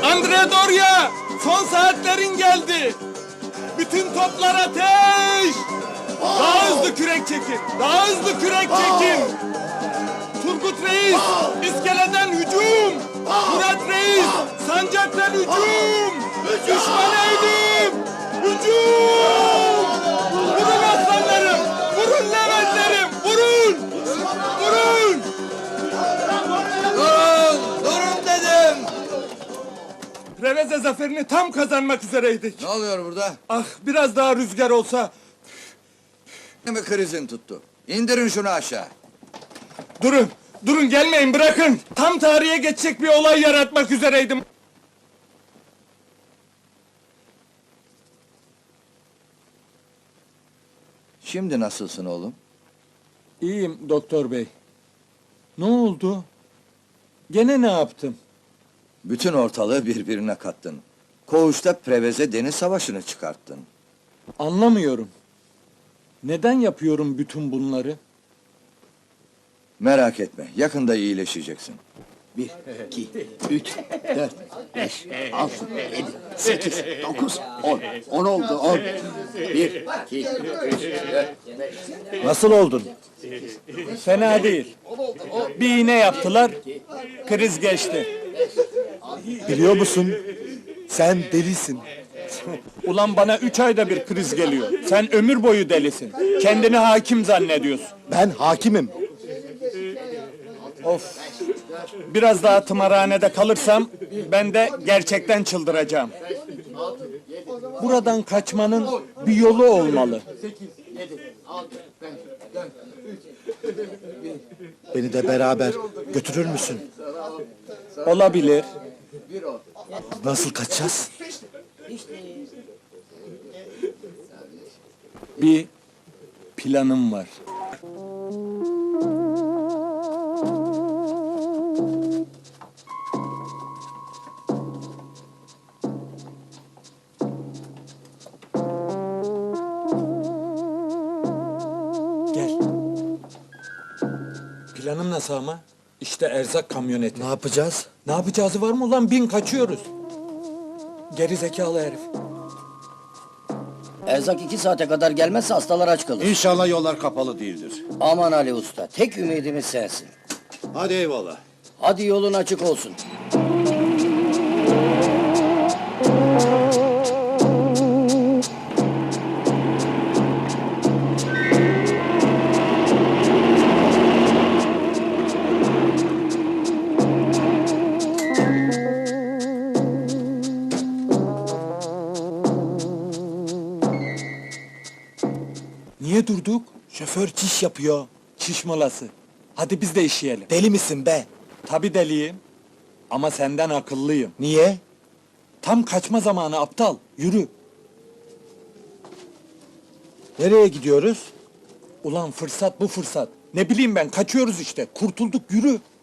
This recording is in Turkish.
Andredorya, son saatlerin geldi. Bütün toplar ateş! Daha hızlı kürek çekin, daha hızlı kürek çekin. Turgut Reis, iskeleden hücum. Murat Reis, sancaktan hücum. Düşmana eğilim, hücum. Vurun aslanlarım, vurun Leventlerim, vurun. Vurun. Durun dedim! Preveze zaferini tam kazanmak üzereydik. Ne oluyor burada? Ah, biraz daha rüzgar olsa. Ne mi krizin tuttu? İndirin şunu aşağı. Durun, durun gelmeyin bırakın. Tam tarihe geçecek bir olay yaratmak üzereydim. Şimdi nasılsın oğlum? İyiyim doktor bey. Ne oldu? Gene ne yaptım? Bütün ortalığı birbirine kattın. Koğuşta Preveze deniz savaşını çıkarttın. Anlamıyorum. Neden yapıyorum bütün bunları? Merak etme, yakında iyileşeceksin. 1, 2, 3, 4, 5, 6, 7, 8, 9, 10. 10 oldu, 10. 1, 2, 3, 4, 5. Nasıl oldun? Fena değil. Bir iğne yaptılar, kriz geçti. Biliyor musun? Sen delisin. Ulan bana 3 ayda bir kriz geliyor. Sen ömür boyu delisin. Kendini hakim zannediyorsun. Ben hakimim. Of! Biraz daha tımarhanede kalırsam, ben de gerçekten çıldıracağım. Buradan kaçmanın bir yolu olmalı. Beni de beraber götürür müsün? Olabilir. Nasıl kaçacağız? Bir planım var. Gel. Planım nasıl ama? İşte erzak kamyoneti. Ne yapacağız? Ne yapacağız var mı ulan? Bin kaçıyoruz. Geri zekalı herif. Erzak 2 saate kadar gelmezse hastalar aç kalır. İnşallah yollar kapalı değildir. Aman Ali Usta, tek ümidimiz sensin. Hadi eyvallah. Hadi yolun açık olsun. Niye durduk? Şoför çiş yapıyor. Çiş molası. Hadi biz de işeyelim. Deli misin be? Tabii deliyim. Ama senden akıllıyım. Niye? Tam kaçma zamanı aptal. Yürü. Nereye gidiyoruz? Ulan fırsat bu fırsat. Ne bileyim ben kaçıyoruz işte. Kurtulduk yürü.